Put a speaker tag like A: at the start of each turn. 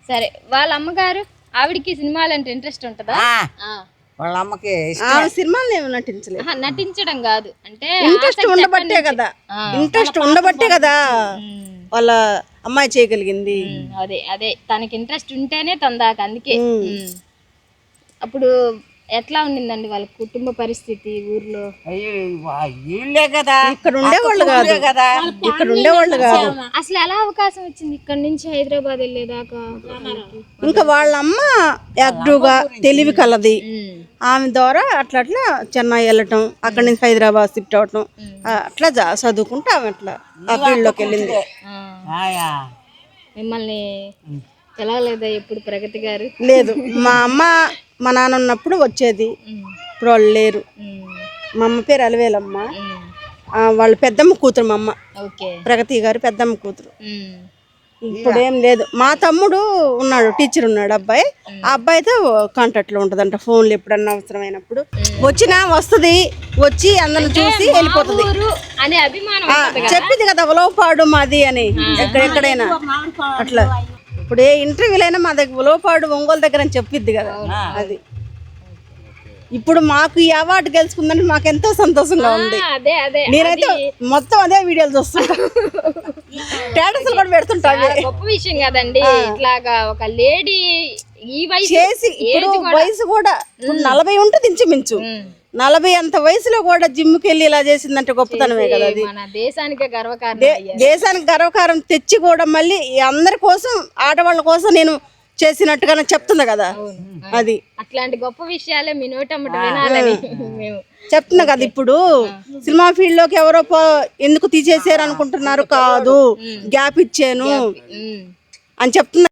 A: సరే వాళ్ళ అమ్మగారు ఆవిడకి సినిమాలు అంటే ఇంట్రెస్ట్ ఉంటుందా?
B: వాళ్ళ అమ్మకి
C: సినిమాలు ఏమి నటించలేదు.
A: నటించడం కాదు అంటే
C: ఇంట్రెస్ట్ ఉండబట్టే కదా, ఇంట్రెస్ట్ ఉండబట్టే కదా వాళ్ళ అమ్మాయి చేయగలిగింది.
A: అదే అదే తనకి ఇంట్రెస్ట్ ఉంటేనే తొందాక అందుకే. అప్పుడు ఎట్లా ఉండిందండి వాళ్ళ కుటుంబ పరిస్థితి ఊర్లో?
B: వీళ్ళే కదా
C: ఇక్కడ ఉండేవాళ్ళు కాదు
B: కదా,
C: ఇక్కడ ఉండేవాళ్ళు కాదు.
A: అసలు ఎలా అవకాశం వచ్చింది ఇక్కడ నుంచి హైదరాబాద్ వెళ్ళేదాకా?
C: ఇంకా వాళ్ళ అమ్మ యాక్టివ్గా తెలివి కలది, ఆమె ద్వారా అట్లా అట్లా చెన్నై వెళ్ళటం, అక్కడి నుంచి హైదరాబాద్ షిఫ్ట్ అవటం, అట్లా చదువుకుంటే ఆమె అట్లా ఆ ఫీల్డ్లోకి వెళ్ళింది.
A: మిమ్మల్ని ఎలా లేదా ఎప్పుడు ప్రగతి గారు?
C: లేదు, మా అమ్మ మా నాన్న ఉన్నప్పుడు వచ్చేది, ఇప్పుడు వాళ్ళు లేరు. మా అమ్మ పేరు అలవేలమ్మ, వాళ్ళ పెద్దమ్మ కూతురు మా అమ్మ, ప్రగతి గారు పెద్దమ్మ కూతురు. ఇప్పుడు ఏం లేదు. మా తమ్ముడు ఉన్నాడు, టీచర్ ఉన్నాడు అబ్బాయి, ఆ అబ్బాయితో కాంటాక్ట్లో ఉంటుందంట, ఫోన్లు ఎప్పుడన్నా అవసరమైనప్పుడు వచ్చినా వస్తుంది, వచ్చి అందరిని చూసి వెళ్ళిపోతుంది. చెప్పింది కదా ఉలవపాడు మాది అని, ఎక్కడైనా అట్లా. ఇప్పుడు ఏ ఇంటర్వ్యూలైనా మా దగ్గర ఉలవపాడు ఒంగోలు దగ్గర అని చెప్పిద్ది కదా. అది ఇప్పుడు మాకు ఈ అవార్డు గెలుచుకుందంటే మాకు ఎంతో సంతోషంగా ఉంది. నేనైతే మొత్తం అదే వీడియోలు చూస్తుంటా, స్టేటస్లు కూడా పెడుతుంటా.
A: గొప్ప విషయం కదండి ఇట్లాగా ఒక లేడీ ఈ వయసు
C: చేసి. ఇప్పుడు వయసు కూడా 40 ఉంటుంది ఇంచుమించు, 40 అంత వయసులో కూడా జిమ్కి వెళ్ళి ఇలా చేసిందంటే గొప్పతనమే కదా. అది
A: మన దేశానికి గర్వకారణం,
C: దేశానికి గర్వకారం తెచ్చి కూడా మళ్ళీ అందరి కోసం, ఆడవాళ్ళ కోసం నేను చేసినట్టుగానే చెప్తుంది కదా. అది
A: అట్లాంటి గొప్ప విషయాలే మీ నోటమ్మట వినాలని మేము
C: చెప్తున్నా కదా. ఇప్పుడు సినిమా ఫీల్డ్ లోకి ఎవరో ఎందుకు తీసేసారు అనుకుంటున్నారు, కాదు గ్యాప్ ఇచ్చాను అని చెప్తున్నా.